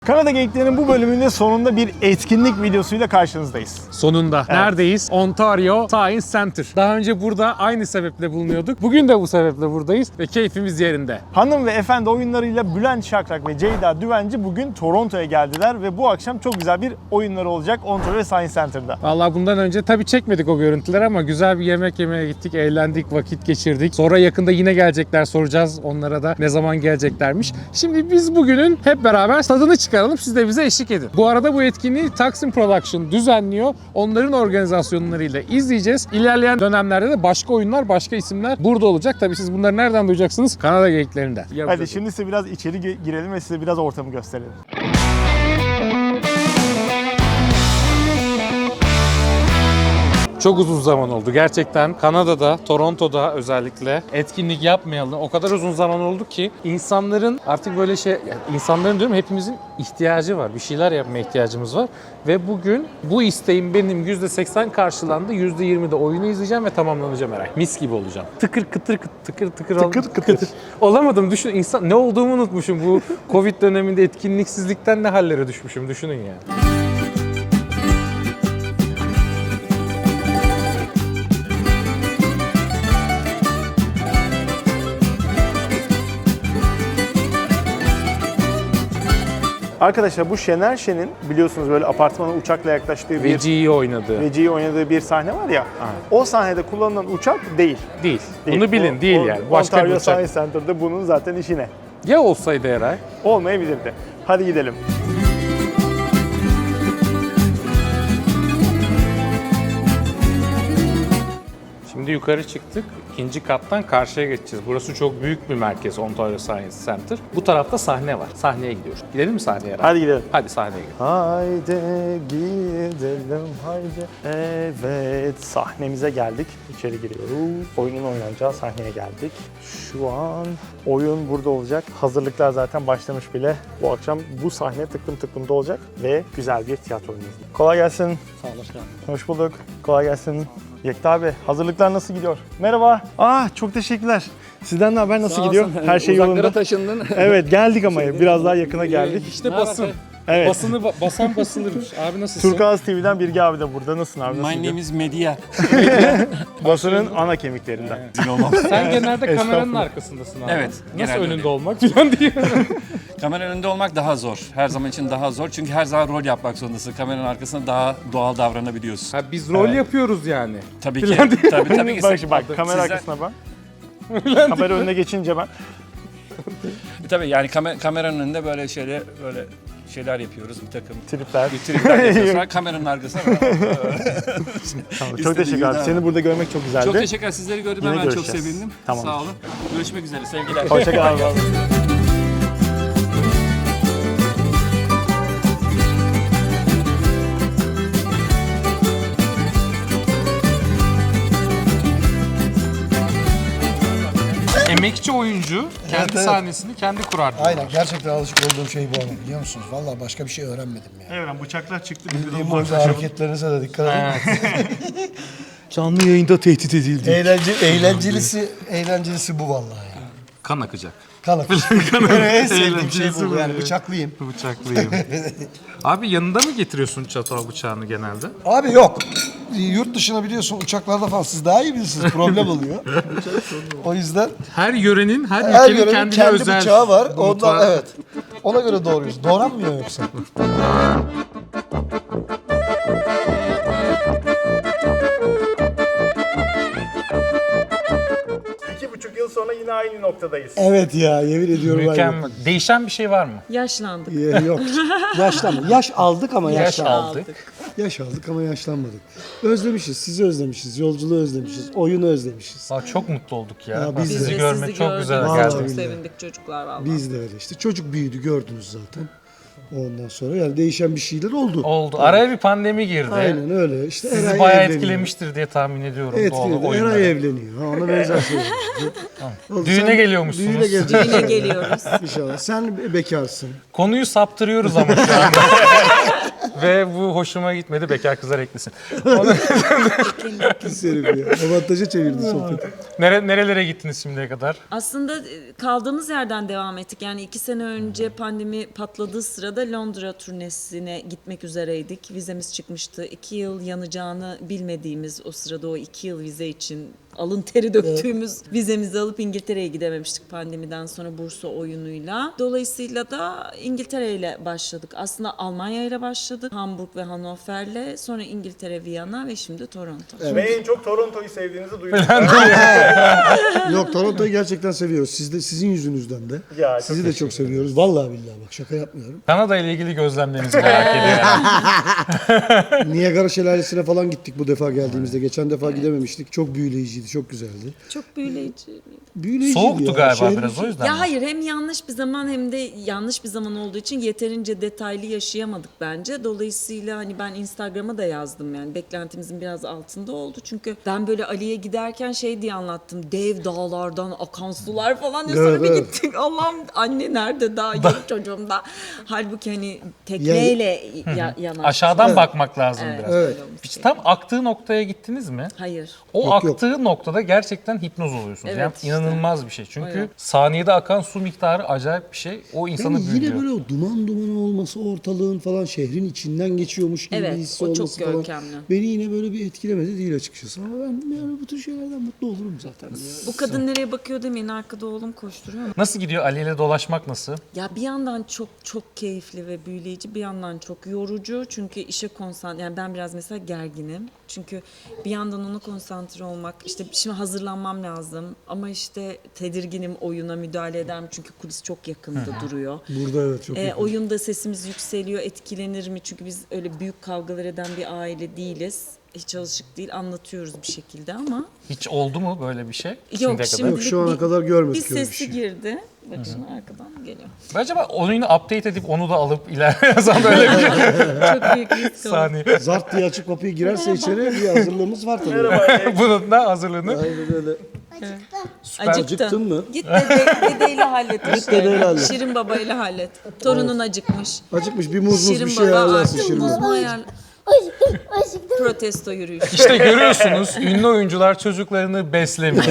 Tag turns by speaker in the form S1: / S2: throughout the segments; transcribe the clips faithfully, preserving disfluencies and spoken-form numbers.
S1: Kanada Geyiklerinin bu bölümünde sonunda bir etkinlik videosuyla karşınızdayız.
S2: Sonunda.
S1: Evet.
S2: Neredeyiz? Ontario Science Center. Daha önce burada aynı sebeple bulunuyorduk. Bugün de bu sebeple buradayız ve keyfimiz yerinde.
S1: Hanım ve Efendi oyunlarıyla Bülent Şakrak ve Ceyda Düvenci bugün Toronto'ya geldiler ve bu akşam çok güzel bir oyunları olacak Ontario Science Center'da.
S2: Vallahi bundan önce tabii çekmedik o görüntüleri ama güzel bir yemek yemeye gittik, eğlendik, vakit geçirdik. Sonra yakında yine gelecekler, soracağız onlara da ne zaman geleceklermiş. Şimdi biz bugünün hep beraber tadını çıkaralım, siz de bize eşlik edin. Bu arada bu etkinliği Taksim Production düzenliyor. Onların organizasyonlarıyla izleyeceğiz. İlerleyen dönemlerde de başka oyunlar, başka isimler burada olacak. Tabii siz bunları nereden duyacaksınız? Kanada Geyiklerinde.
S1: Hadi şimdi size biraz içeri girelim ve size biraz ortamı gösterelim.
S2: Çok uzun zaman oldu. Gerçekten Kanada'da, Toronto'da özellikle etkinlik yapmayalı o kadar uzun zaman oldu ki insanların artık böyle şey, yani insanların diyorum hepimizin ihtiyacı var. Bir şeyler yapmaya ihtiyacımız var. Ve bugün bu isteğim benim yüzde seksen karşılandı. yüzde yirmi de oyunu izleyeceğim ve tamamlanacağım herhalde. Mis gibi olacağım. Tıkır kıtır kıtır tıkır tıkır
S1: Tıkır
S2: ol-
S1: kıtır.
S2: Olamadım. Düşün, insan ne olduğumu unutmuşum. Bu Covid döneminde etkinliksizlikten ne hallere düşmüşüm. Düşünün yani.
S1: Arkadaşlar bu Şener Şen'in biliyorsunuz böyle apartmana uçakla yaklaştığı bir
S2: Veci'yi oynadı.
S1: Veci'yi oynadığı bir sahne var ya. O sahnede kullanılan uçak değil.
S2: Değil.
S1: Değil.
S2: Bunu bilin.
S1: O-
S2: değil
S1: o-
S2: yani. Başka bir
S1: Ontario
S2: uçak.
S1: Science Center'da bunun zaten işine.
S2: Ya olsaydı Eray?
S1: Olmayabilirdi. Hadi gidelim.
S2: Şimdi yukarı çıktık. İkinci kattan karşıya geçeceğiz. Burası çok büyük bir merkez, Ontario Science Center. Bu tarafta sahne var. Sahneye gidiyoruz. Gidelim mi sahneye? Eray?
S1: Hadi gidelim.
S2: Hadi sahneye gidelim.
S1: Haydi gidelim haydi. Evet, sahnemize geldik. İçeri giriyoruz. Oyunun oynanacağı sahneye geldik. Şu an oyun burada olacak. Hazırlıklar zaten başlamış bile. Bu akşam bu sahne tıklım tıklımda olacak ve güzel bir tiyatro oyunu izleyeceğiz. Kolay gelsin.
S3: Sağ olasın.
S1: Hoş bulduk. Kolay gelsin. Yekta abi, hazırlıklar nasıl gidiyor? Merhaba. Ah, çok teşekkürler. Sizden ne haber? Nasıl
S3: Sağ
S1: gidiyor?
S3: olsun.
S1: Her şey
S3: Uzaklara
S1: yolunda.
S3: taşındın.
S1: Evet, geldik ama biraz daha yakına geldik.
S2: İşte basın.
S1: Evet.
S2: Basını ba- basan basılırmış. Abi nasılsın?
S1: Turkuaz T V'den Bilge abi de burada. Nasılsın abi? Nasıl
S3: My
S1: gidiyor?
S3: name is Medya.
S1: Basının ana kemiklerinden.
S2: Sen genelde kameranın
S1: Estağfurullah.
S2: arkasındasın abi.
S3: Evet,
S2: Nasıl
S3: genelde
S2: önünde
S3: öyle.
S2: olmak falan diye.
S3: Kamera önünde olmak daha zor. Her zaman için daha zor. Çünkü her zaman rol yapmak zorundasın. Kameranın arkasında daha doğal davranabiliyorsun.
S2: Ha, biz rol yapıyoruz yani.
S3: Tabii ki. tabii tabii ki.
S1: bak şimdi bak, kamera
S3: Sizler-
S1: arkasına bak. Kamera önüne geçince ben.
S3: Tabii yani kamer- kameranın önünde böyle şeyler böyle şeyler yapıyoruz. Bir takım
S1: Tripler.
S3: bir tripler yapıyoruz. Sonra kameranın arkasına.
S1: Tamam, çok
S3: İstediğin
S1: teşekkür ederim.
S3: gibi
S1: Seni burada görmek çok güzeldi.
S3: Çok teşekkürler. Sizleri gördüm.
S1: Yine
S3: Ben çok
S1: görüşeceğiz.
S3: sevindim.
S1: Tamamdır.
S3: Sağ olun. Görüşmek üzere. Sevgiler.
S1: Hoşçakal abi.
S2: Emekçi oyuncu kendi
S4: evet.
S2: sahnesini kendi kurar.
S4: Aynen, gerçekten alışık olduğum şey bu ama biliyor musunuz? Vallahi başka bir şey öğrenmedim ya.
S1: Evet, bıçaklar çıktı.
S4: Bildiğim burada hareketlerinize de dikkat edin.
S1: Canlı yayında tehdit edildi.
S4: Eğlence, eğlencelisi, eğlencelisi bu vallahi ya.
S2: Kan akacak.
S4: Kan akışı. En sevdiğim şey
S2: Eğlencelisi
S4: bu
S2: bu
S4: yani,
S2: ya.
S4: bıçaklıyım.
S2: Bıçaklıyım. Abi yanında mı getiriyorsun çatal bıçağını genelde?
S4: Abi yok. Yurt dışına biliyorsun uçaklarda falan siz daha iyi bilirsiniz, problem oluyor. O yüzden
S2: Her yörenin, her,
S4: her
S2: ülkenin
S4: yörenin
S2: kendine
S4: kendi
S2: özel
S4: bıçağı var.
S2: mutfağı.
S4: Ondan evet. Ona göre doğruyuz. Doğranmıyor yoksa.
S1: İki buçuk yıl sonra yine aynı noktadayız.
S4: Evet ya, yemin ediyorum.
S2: Mükemmel. Değişen bir şey var mı?
S5: Yaşlandık.
S4: Ee, yok. Yaşlanma. Yaş aldık ama
S2: Yaş
S4: yaşlanmadık.
S2: aldık.
S4: Yaş aldık ama yaşlanmadık. Özlemişiz, sizi özlemişiz, yolculuğu özlemişiz, oyunu özlemişiz.
S2: Aa, çok mutlu olduk ya.
S4: Ya
S2: Bak,
S4: biz de.
S2: sizi
S5: Biz de
S2: görmek
S5: sizi
S2: çok
S5: gördük.
S2: güzel
S4: Vallahi
S2: geldi.
S5: Çok
S4: billahi.
S5: sevindik çocuklar vallahi.
S4: Biz de öyle işte. Çocuk büyüdü, gördünüz zaten. Ondan sonra yani değişen bir şeyler oldu.
S2: Oldu. Araya bir pandemi girdi.
S4: Aynen öyle. İşte
S2: Sizi
S4: Eray
S2: bayağı
S4: evleniyor.
S2: etkilemiştir diye tahmin ediyorum. doğal
S4: Etkiledi.
S2: oyunları.
S4: Eray evleniyor. Ha, ona benzer şeyler. Oldu.
S2: Düğüne
S4: Sen-
S2: geliyormuşsunuz.
S4: Düğüne geleceğiz.
S5: Düğüne geliyoruz.
S4: İnşallah. Sen be- bekarsın.
S2: Konuyu saptırıyoruz ama şu anda. Ve bu hoşuma gitmedi. Bekar kızlar eklesin. Onu-
S4: Pis herif ya. Avantaja çevirdi sohbeti.
S2: Nere, nerelere gittiniz şimdiye kadar?
S5: Aslında e, kaldığımız yerden devam ettik. Yani iki sene önce pandemi patladığı sırada Londra turnesine gitmek üzereydik. Vizemiz çıkmıştı. İki yıl yanacağını bilmediğimiz o sırada o iki yıl vize için alın teri döktüğümüz vizemizi alıp İngiltere'ye gidememiştik pandemiden sonra Bursa oyunuyla. Dolayısıyla da İngiltere ile başladık. Aslında Almanya ile başladık. Hamburg ve Hannover'le. Sonra İngiltere, Viyana ve şimdi Toronto.
S1: Ve en çok Toronto'yu sevdiğinizi duydum.
S4: Yok, Toronto'yu gerçekten seviyoruz. Siz de, sizin yüzünüzden de.
S1: Ya, çok
S4: Sizi de çok seviyoruz. Vallahi billahi bak, şaka yapmıyorum.
S2: Kanada ile ilgili gözlemlerinizi merak ediyorum.
S4: Niagara Şelalesi'ne falan gittik bu defa geldiğimizde. Geçen defa gidememiştik. Çok büyüleyiciydi, çok güzeldi.
S5: Çok büyüleyici.
S4: Büyüleyiciydi
S2: Soğuktu
S4: ya.
S2: galiba
S4: Şehrin-
S2: biraz o yüzden.
S5: Ya
S2: mi?
S5: hayır, hem yanlış bir zaman hem de yanlış bir zaman olduğu için yeterince detaylı yaşayamadık bence. Dolayısıyla hani ben Instagram'a da yazdım, yani beklentimizin biraz altında oldu. Çünkü ben böyle Ali'ye giderken şey diye anlattım. Dev dağlardan akan sular falan diye, sonra
S4: Evet,
S5: bir
S4: evet.
S5: gittik. Allah'ım, anne nerede daha yok çocuğum da. Halbuki hani tekneyle ya, yanan.
S2: Aşağıdan bakmak lazım
S5: Evet,
S2: biraz.
S5: öyle
S4: Evet.
S5: olmuş.
S2: Hiç tam aktığı noktaya gittiniz mi?
S5: Hayır.
S2: O
S4: Yok, yok.
S2: aktığı noktada gerçekten hipnoz oluyorsunuz.
S5: Evet,
S2: yani
S5: işte.
S2: inanılmaz bir şey. Çünkü
S5: Öyle.
S2: saniyede akan su miktarı acayip bir şey. O insanı
S4: Yani
S2: büyülüyor.
S4: yine böyle o duman duman olması, ortalığın falan şehrin içinden geçiyormuş gibi
S5: Evet,
S4: bir hissi
S5: o çok
S4: olması falan.
S5: görkemli.
S4: Beni yine böyle bir etkilemedi değil açıkçası. Ama ben yani bu tür şeylerden mutlu olurum zaten. Ya.
S5: Bu kadın nereye bakıyor demeyin, arkada oğlum koşturuyor.
S2: Nasıl gidiyor? Ali ile dolaşmak nasıl?
S5: Ya bir yandan çok çok keyifli ve büyüleyici, bir yandan çok yorucu. Çünkü işe konsantre, yani ben biraz mesela gerginim. Çünkü bir yandan ona konsantre olmak, işte şimdi hazırlanmam lazım. Ama işte tedirginim, oyuna müdahale ederim. Çünkü kulis çok yakında duruyor.
S4: Burada evet çok
S5: E,
S4: yakın.
S5: oyunda sesimiz yükseliyor, etkilenir mi? Çünkü biz öyle büyük kavgalar eden bir aile değiliz. Hiç alışık değil, anlatıyoruz bir şekilde ama.
S2: Hiç oldu mu böyle bir şey?
S5: Yok,
S2: Şimdiye kadar?
S5: şimdi
S4: Yok, şu ana kadar görmedik
S5: Bir
S4: öyle bir
S5: sesi
S4: şey.
S5: girdi. Bak şimdi arkadan geliyor.
S2: Acaba oyunu update edip onu da alıp ileride yazan böyle bir
S5: Çok büyük risk oldu.
S2: saniye.
S4: Zart diye açık kapıyı girerse içeri bir hazırlığımız var tabii.
S2: Bunun da hazırlığını.
S4: Aynen öyle. Acıktın mı?
S5: Git dede, dedeyle hallet
S4: Git
S5: işte.
S4: dedeyle hallet.
S5: Şirin babayla hallet. Torunun acıkmış.
S4: Acıkmış bir muz muz
S5: Şirin
S4: bir şey
S5: baba
S4: ayarlarsın
S5: artık
S4: Şirin
S5: muz
S4: baba.
S5: mu ayar?
S6: Acıktım, acıktım.
S5: Protesto yürüyüşü.
S2: İşte görüyorsunuz ünlü oyuncular çocuklarını beslemiyor.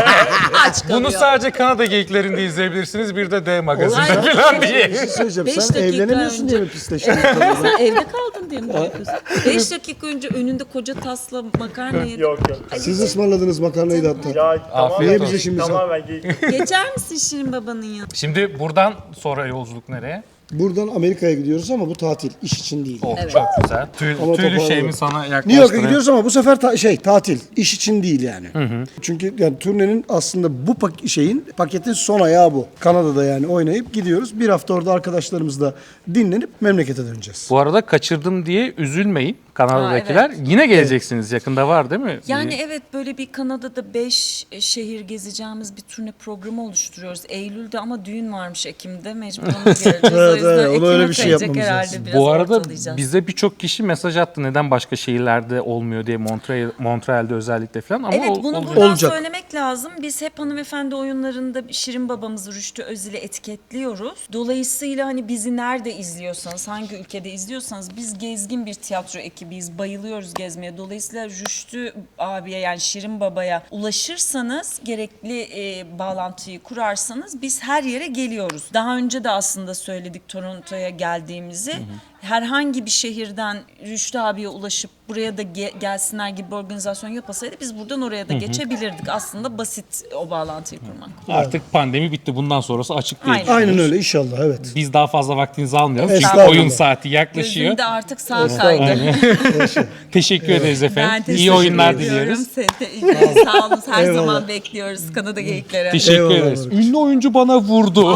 S5: Aç kalıyor.
S2: Bunu sadece Kanada geyiklerinde izleyebilirsiniz. Bir de D magazinde
S5: Hayır.
S2: falan diye.
S4: Bir şey söyleyeceğim.
S5: Beş
S4: Sen
S5: dakika
S4: evlenemiyorsun
S5: önce-
S4: diye mi pisleştin?
S5: Sen evde kaldın diye mi yapıyorsun? Beş dakika önce önünde koca tasla makarna yedin.
S1: Yok yok.
S4: Siz ısmarladınız makarnayı da hatta.
S1: Ya tamamen,
S2: Niye
S4: bize şimdi sen-
S1: tamamen geyik.
S5: Geçer misin Şirin babanın yanına?
S2: Şimdi buradan sonra yolculuk nereye?
S4: Buradan Amerika'ya gidiyoruz ama bu tatil. İş için değil.
S2: Oh,
S5: Evet.
S2: çok güzel. Tüy,
S4: Ama
S2: tüylü
S4: toparlanalım.
S2: şeyimi sana
S4: New York'a
S2: yaklaştırayım.
S4: gidiyoruz ama bu sefer ta- şey tatil, iş için değil yani. Çünkü yani turnenin aslında bu pak- şeyin paketin son ayağı bu. Kanada'da yani oynayıp gidiyoruz. Bir hafta orada arkadaşlarımızla dinlenip memlekete döneceğiz.
S2: Bu arada kaçırdım diye üzülmeyin Kanada'dakiler.
S5: Aa,
S2: Yine geleceksiniz. Yakında var değil mi?
S5: Yani
S2: Bir-
S5: evet, böyle bir Kanada'da beş şehir gezeceğimiz bir turne programı oluşturuyoruz. Eylül'de ama düğün varmış Ekim'de, mecburen geleceğiz.
S4: Evet,
S5: O yüzden
S4: evet, ona
S5: Ekim'e
S4: öyle bir şey
S5: kayacak
S4: yapmamız
S5: herhalde,
S4: lazım.
S5: biraz
S2: Bu arada
S5: ortalayacağız.
S2: bize birçok kişi mesaj attı neden başka şehirlerde olmuyor diye, Montreal, Montreal'de özellikle falan ama
S5: Evet,
S2: ol-
S5: bunu
S2: oluyor.
S5: buradan
S4: Olacak.
S5: söylemek lazım. Biz hep hanımefendi oyunlarında Şirin babamızı, Rüştü Özil'i etiketliyoruz. Dolayısıyla hani bizi nerede izliyorsanız, hangi ülkede izliyorsanız, biz gezgin bir tiyatro ekibiyiz. Bayılıyoruz gezmeye. Dolayısıyla Rüştü abiye, yani Şirin babaya ulaşırsanız, gerekli e, bağlantıyı kurarsanız biz her yere geliyoruz. Daha önce de aslında söyledik Toronto'ya geldiğimizi. Herhangi bir şehirden Rüştü abiye ulaşıp buraya da ge- gelsinler gibi bir organizasyon yapasaydı biz buradan oraya da geçebilirdik. Aslında basit o bağlantıyı kurmak.
S2: Artık pandemi bitti. Bundan sonrası açık diye
S5: Aynen.
S2: düşünüyoruz.
S4: Aynen öyle inşallah evet.
S2: Biz daha fazla vaktinizi almayalım. Çünkü
S4: Estağfurullah.
S2: oyun saati yaklaşıyor.
S5: Gözümde artık sağ kaydı.
S2: Teşekkür ederiz
S5: Ben
S2: efendim.
S5: teşekkür
S2: İyi oyunlar
S5: ediyorum.
S2: diliyoruz.
S5: Sen de- Sağ olun, her
S4: Eyvallah.
S5: zaman bekliyoruz Kanada geyiklere.
S2: Teşekkür
S4: Eyvallah
S2: ederiz.
S4: Barış.
S2: Ünlü oyuncu bana vurdu.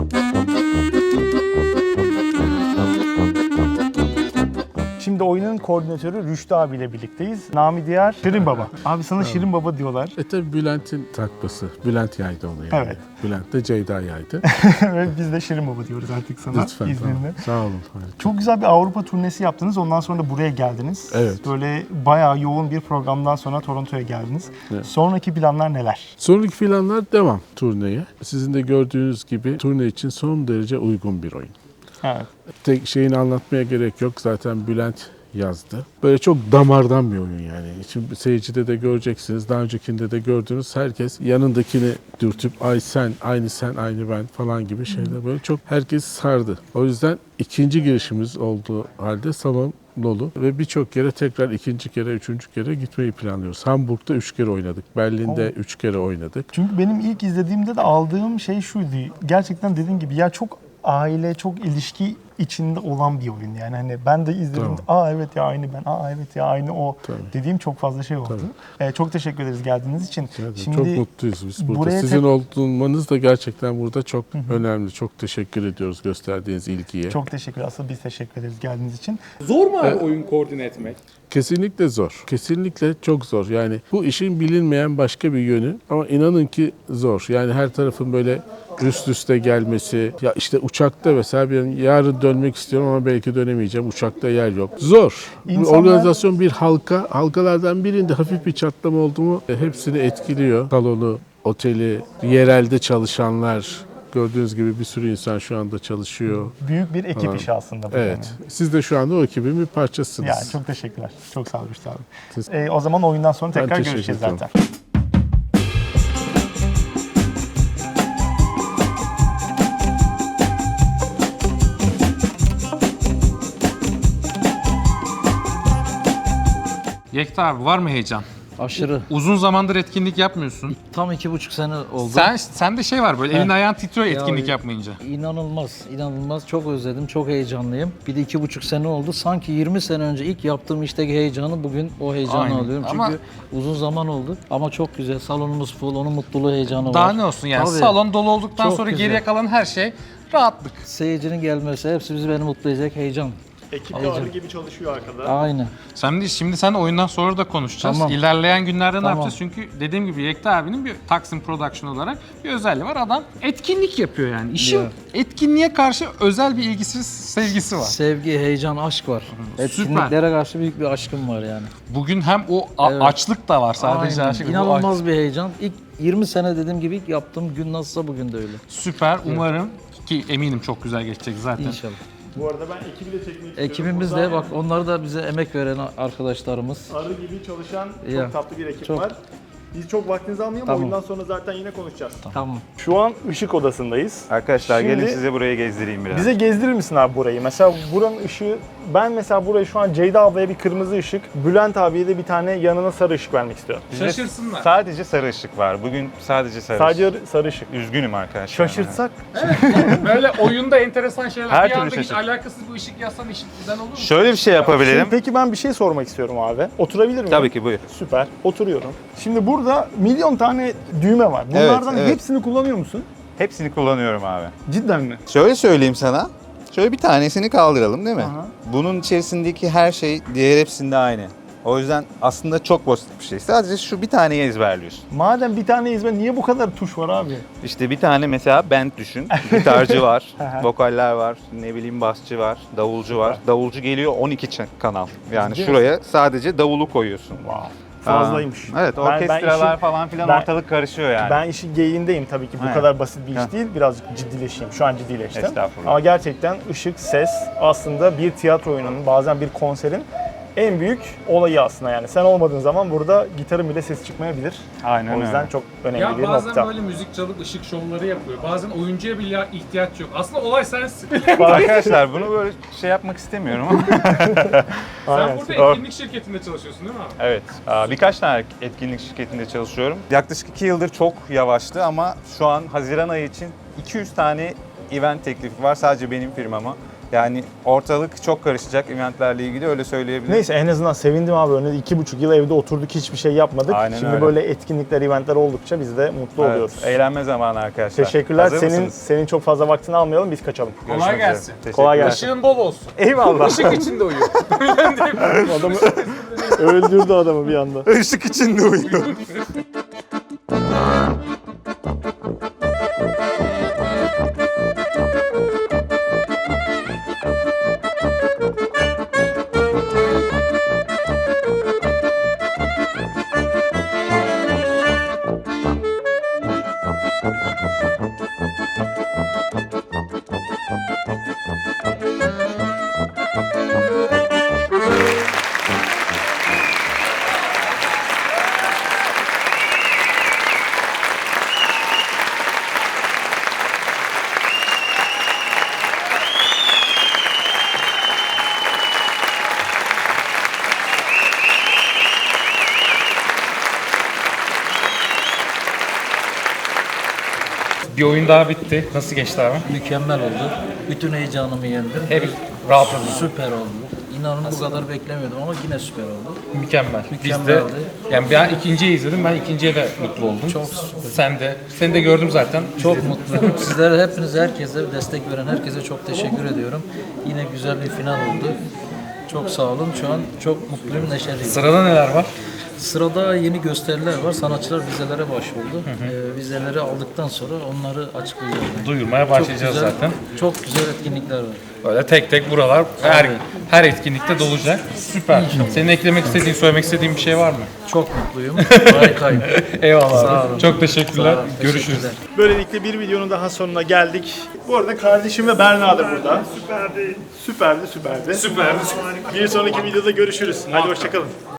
S1: Şimdi oyunun koordinatörü Rüştü abiyle birlikteyiz. Nami diğer Şirin Baba. Abi sana Şirin Baba diyorlar.
S7: E tabi Bülent'in takması. Bülent yaydı onu yani.
S1: Evet.
S7: Bülent de Ceyda yaydı.
S1: Ve biz de Şirin Baba diyoruz artık sana
S7: Lütfen.
S1: izninle.
S7: Tamam. Sağ olun. Harika.
S1: Çok güzel bir Avrupa turnesi yaptınız. Ondan sonra da buraya geldiniz.
S7: Evet.
S1: Böyle bayağı yoğun bir programdan sonra Toronto'ya geldiniz.
S7: Evet.
S1: Sonraki planlar neler?
S7: Sonraki planlar devam turneye. Sizin de gördüğünüz gibi turne için son derece uygun bir oyun.
S1: Evet.
S7: Tek şeyini anlatmaya gerek yok. Zaten Bülent yazdı. Böyle çok damardan bir oyun yani. Şimdi seyircide de göreceksiniz. Daha öncekinde de gördüğünüz herkes yanındakini dürtüp ay sen, aynı sen, aynı ben falan gibi şeyler. Böyle çok herkes sardı. O yüzden ikinci girişimiz olduğu halde salon dolu ve birçok kere tekrar ikinci kere, üçüncü kere gitmeyi planlıyoruz. Hamburg'da üç kere oynadık. Berlin'de
S1: Oh.
S7: üç kere oynadık.
S1: Çünkü benim ilk izlediğimde de aldığım şey şuydu. Gerçekten dediğin gibi ya çok aile, çok ilişki içinde olan bir oyun yani. Hani ben de izlediğimde aa evet ya aynı ben, aa evet ya aynı o
S7: Tabii.
S1: dediğim çok fazla şey oldu. Ee, çok teşekkür ederiz geldiğiniz için.
S7: Evet,
S1: Şimdi
S7: çok mutluyuz biz burada.
S1: buraya
S7: Sizin
S1: tek-
S7: olmanız da gerçekten burada çok önemli. Çok teşekkür ediyoruz gösterdiğiniz ilgiye.
S1: çok teşekkür Asıl biz teşekkür ederiz geldiğiniz için.
S2: Zor mu abi oyun koordine etmek?
S7: Kesinlikle zor. Kesinlikle çok zor. Yani bu işin bilinmeyen başka bir yönü ama inanın ki zor. Yani her tarafın böyle üst üste gelmesi. Ya işte uçakta mesela ben yarın dönmek istiyorum ama belki dönemeyeceğim. Uçakta yer yok. Zor. Bu
S1: İnsanlar-
S7: organizasyon bir halka. Halkalardan birinde hafif bir çatlama oldu mu e, hepsini etkiliyor. Salonu, oteli, yerelde çalışanlar. Gördüğünüz gibi bir sürü insan şu anda çalışıyor.
S1: Büyük bir ekip
S7: Aa,
S1: işi aslında bu.
S7: Evet. Siz de şu anda o ekibin bir parçasısınız.
S1: Yani çok teşekkürler. Çok sağ olun Rüştü abi.
S7: Siz-
S1: Ee, o zaman oyundan sonra
S7: Ben
S1: tekrar
S7: teşekkür
S1: görüşeceğiz
S7: ederim.
S1: zaten.
S2: Yekta abi var mı heyecan?
S8: Aşırı.
S2: Uzun zamandır etkinlik yapmıyorsun.
S8: Tam iki buçuk sene oldu.
S2: Sen sende şey var böyle elin ayağın titriyor etkinlik
S8: Ya,
S2: yapmayınca.
S8: İnanılmaz, inanılmaz. Çok özledim, çok heyecanlıyım. Bir de iki buçuk sene oldu. Sanki yirmi sene önce ilk yaptığım işteki heyecanı bugün o heyecanı
S2: Aynen.
S8: alıyorum. Çünkü
S2: Ama-
S8: uzun zaman oldu. Ama çok güzel. Salonumuz full, onun mutluluğu, heyecanı var.
S2: Daha ne olsun yani
S8: Tabii.
S2: salon dolu olduktan
S8: Çok
S2: sonra
S8: güzel.
S2: geriye kalan her şey rahatlık.
S8: Seyircinin gelmesi, hepsi bizi beni mutlu edecek heyecan.
S1: Ekip
S8: Heyecan.
S1: arı gibi çalışıyor arkada.
S8: Aynı.
S2: Sen de şimdi sen oyundan sonra da konuşacağız.
S8: Tamam.
S2: İlerleyen günlerde ne
S8: Tamam.
S2: yapacağız? Çünkü dediğim gibi Yekta abinin bir Taksim Production olarak bir özelliği var. Adam etkinlik yapıyor yani. İşi
S8: Ya.
S2: etkinliğe karşı özel bir ilgisi, sevgisi var.
S8: Sevgi, heyecan, aşk var.
S2: Süper.
S8: Etkinliklere karşı büyük bir aşkım var yani.
S2: Bugün hem o a-
S8: Evet.
S2: açlık da var sadece
S8: Aynen.
S2: aşk. Bu
S8: İnanılmaz bir heyecan. İlk yirmi sene dediğim gibi ilk yaptığım gün nasılsa bugün de öyle.
S2: Süper. Umarım ki eminim çok güzel geçecek zaten.
S8: İnşallah.
S1: Bu arada ben ekibi de çekmek istiyorum.
S8: Ekibimiz
S1: Burada
S8: de bak onlar da bize emek veren arkadaşlarımız.
S1: arı gibi çalışan çok
S8: Ya,
S1: tatlı bir ekip
S8: çok.
S1: var. Biz çok vaktinizi almayalım.
S8: Tamam.
S1: Oyundan sonra zaten yine konuşacağız.
S8: Tamam.
S1: Şu an ışık odasındayız.
S9: Arkadaşlar
S1: Şimdi-
S9: gelin size burayı gezdireyim biraz.
S1: Bize gezdirir misin abi burayı? Mesela buranın ışığı, ben mesela burayı şu an Ceyda ablaya bir kırmızı ışık, Bülent abiye de bir tane yanına sarı ışık vermek istiyorum.
S9: Bizde
S2: Şaşırsınlar.
S9: Sadece sarı ışık var. Bugün sadece sarı
S1: Sadece
S9: ışık.
S1: sarı ışık.
S9: Üzgünüm arkadaşlar.
S1: Şaşırtsak
S2: Böyle oyunda enteresan şeyler.
S9: Her
S2: bir
S9: türlü
S2: anda hiç
S9: şaşırt.
S2: alakasız bir ışık yazsan işinden olur mu?
S9: Şöyle bir şey yapabilirim.
S1: Şimdi peki ben bir şey sormak istiyorum abi. Oturabilir miyim?
S9: Tabii ki buyur.
S1: Süper. Oturuyorum. Şimdi burada milyon tane düğme var. Bunlardan
S9: evet.
S1: hepsini kullanıyor musun?
S9: Hepsini kullanıyorum abi.
S1: Cidden mi?
S9: Şöyle söyleyeyim sana. Şöyle bir tanesini kaldıralım değil mi?
S1: Aha.
S9: Bunun içerisindeki her şey diğer hepsinde aynı. O yüzden aslında çok basit bir şey. Sadece şu bir taneyi ezberliyorsun.
S1: Madem bir tane izme niye bu kadar tuş var abi?
S9: İşte bir tane mesela band düşün. Gitarcı var, vokaller var, ne bileyim basçı var, davulcu var. Davulcu geliyor on iki ç- kanal. Yani
S1: Ciddi
S9: şuraya sadece davulu koyuyorsun.
S1: Wow. Fazlaymış.
S9: Aa, Evet,
S1: Ben- ben
S9: orkestralar
S1: işin-
S9: falan filan
S1: ben-
S9: ortalık karışıyor yani.
S1: Ben işin geyiğindeyim tabii ki bu
S9: Evet.
S1: kadar basit bir iş
S9: Heh.
S1: değil. Birazcık ciddileşeyim. Şu an ciddileştim.
S9: Estağfurullah.
S1: Ama gerçekten ışık, ses aslında bir tiyatro oyununun, bazen bir konserin en büyük olayı aslında yani. Sen olmadığın zaman burada gitarın bile ses çıkmayabilir.
S9: Aynen
S1: O yüzden
S9: öyle.
S1: çok önemli
S2: Ya
S1: bir
S2: bazen
S1: nokta.
S2: böyle müzik çalıp ışık şovları yapıyor. Bazen oyuncuya bile ihtiyaç yok. Aslında olay sensin.
S9: Arkadaşlar bunu böyle şey yapmak istemiyorum ama.
S2: Sen
S1: Aynen.
S2: burada
S9: Doğru.
S2: etkinlik şirketinde çalışıyorsun değil mi abi?
S9: Evet, aa, birkaç tane etkinlik şirketinde çalışıyorum. Yaklaşık iki yıldır çok yavaştı ama şu an Haziran ayı için iki yüz tane event teklifi var sadece benim firmama. Yani ortalık çok karışacak eventlerle ilgili, öyle söyleyebilirim.
S1: Neyse en azından sevindim abi. Öyle iki buçuk yıl evde oturduk, hiçbir şey yapmadık.
S9: Aynen
S1: Şimdi
S9: öyle.
S1: böyle etkinlikler, eventler oldukça biz de mutlu
S9: Evet,
S1: oluyoruz.
S9: eğlenme zamanı arkadaşlar.
S1: Teşekkürler.
S9: Hazır
S1: Senin
S9: mısınız?
S1: senin çok fazla vaktini almayalım, biz kaçalım.
S2: Kolay
S9: Görüşmek üzere.
S2: gelsin.
S9: Teşekkürler.
S1: Kolay gelsin.
S2: Işığın bol olsun.
S1: Eyvallah.
S2: Işık içinde uyu.
S1: Adamı öldürdü adamı bir anda.
S9: Işık içinde uyuyor.
S2: Bir oyun daha bitti. Nasıl geçti abi?
S8: Mükemmel oldu. Bütün heyecanımı yendim.
S2: Hep rahatladın.
S8: Süper oldu. İnanın bu kadar beklemiyordum ama yine süper oldu.
S2: Mükemmel. Biz de,
S8: Mükemmeldi.
S2: yani ben ikinciyi izledim. Ben ikinciye de mutlu oldum.
S8: Çok
S2: Sen de. Seni de gördüm zaten.
S8: Çok mutluyum. Sizlere, hepinize, herkese, destek veren herkese çok teşekkür ediyorum. Yine güzel bir final oldu. Çok sağ olun. Şu an çok mutluyum, neşeliyim.
S2: Sırada neler var?
S8: Sırada yeni gösteriler var. Sanatçılar vizelere başvurdu. Ee, vizeleri aldıktan sonra onları açıklayacağız.
S2: Duyurmaya başlayacağız
S8: güzel,
S2: zaten.
S8: Çok güzel etkinlikler var.
S2: Böyle tek tek buralar her
S8: Tabii.
S2: her etkinlikte dolacak. Süper. Senin eklemek istediğin, söylemek istediğin bir şey var mı?
S8: Çok mutluyum. Harikayım.
S2: Eyvallah
S8: Sağ
S2: abi.
S8: olun.
S2: Çok teşekkürler.
S8: Sağ olun,
S2: Görüşürüz.
S8: teşekkürler.
S1: Böylelikle bir videonun daha sonuna geldik. Bu arada kardeşim ve Berna da burada. Süperdi. Süperdi, süperdi. Süperdi. Bir sonraki videoda görüşürüz. Hadi hoşçakalın.